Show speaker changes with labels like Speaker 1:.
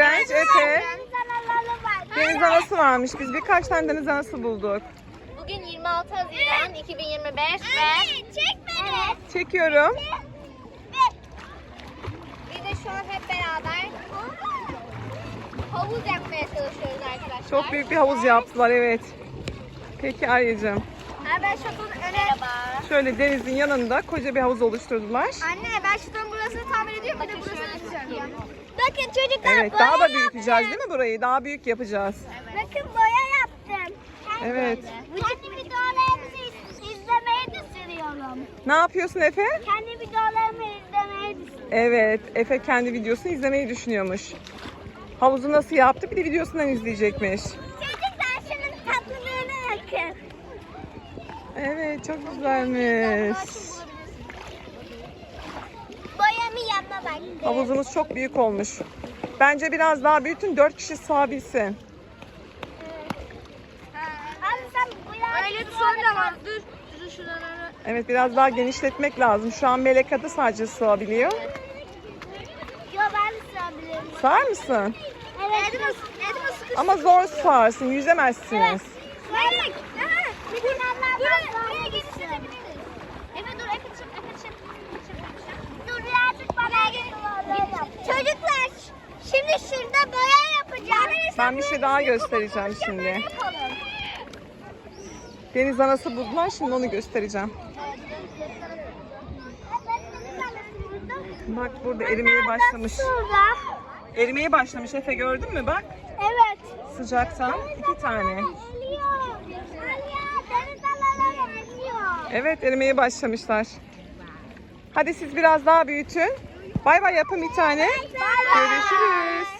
Speaker 1: Güvenç, Efe. Deniz anası varmış. Biz birkaç tane deniz anası bulduk.
Speaker 2: Bugün 26 Haziran 2025 ve... Çek beni.
Speaker 1: Çekiyorum.
Speaker 2: Biz de şu an hep beraber havuz yapmaya çalışıyoruz arkadaşlar.
Speaker 1: Çok büyük bir havuz yaptılar, evet. Peki Arya'cığım.
Speaker 2: Ben şatonun Merhaba.
Speaker 1: Şöyle denizin yanında koca bir havuz oluşturdular.
Speaker 2: Anne ben şatonun burasını tamir ediyorum. Bir de burasını yapacağım. Bakın çocuklar
Speaker 1: Evet, daha da büyüteceğiz değil mi burayı? Daha büyük yapacağız.
Speaker 2: Bakın boya yaptım.
Speaker 1: Evet.
Speaker 2: Kendi videolarımızı izlemeyi düşünüyorum.
Speaker 1: Ne yapıyorsun Efe?
Speaker 2: Kendi videolarımı izlemeyi düşünüyorum.
Speaker 1: Evet, Efe kendi videosunu izlemeyi düşünüyormuş. Havuzu nasıl yaptı bir de videosundan izleyecekmiş.
Speaker 2: Çocuklar şunun tatlılığına bakın.
Speaker 1: Evet, çok güzelmiş.
Speaker 2: Boyamı yapma bak.
Speaker 1: Havuzumuz çok büyük olmuş. Bence biraz daha büyütün, 4 kişi sığabilsin.
Speaker 2: Abi sen boya... Öyle sonra var. Dur. Dur şuraları.
Speaker 1: Evet, biraz daha genişletmek lazım. Şu an Melek Adı sadece sığabiliyor.
Speaker 2: Yo ben de sığabilirim.
Speaker 1: Sığar mısın?
Speaker 2: Evet. Edma sıkıştı.
Speaker 1: Ama zor sığarsın, yüzemezsiniz.
Speaker 2: Melek. Buraya genişletebiliriz. Efe dur, Efe çık. Dur birazcık bana çocuklar, şimdi şurada boya yapacağım.
Speaker 1: Ben bir şey daha göstereceğim şimdi. Deniz anası buldular, şimdi onu göstereceğim. Bak burada erimeye başlamış. Erimeye başlamış Efe, gördün mü bak.
Speaker 2: Evet.
Speaker 1: Sıcaktan 2 tane. Evet, erimeye başlamışlar. Hadi siz biraz daha büyütün. Bay bay yapın bir tane. Görüşürüz.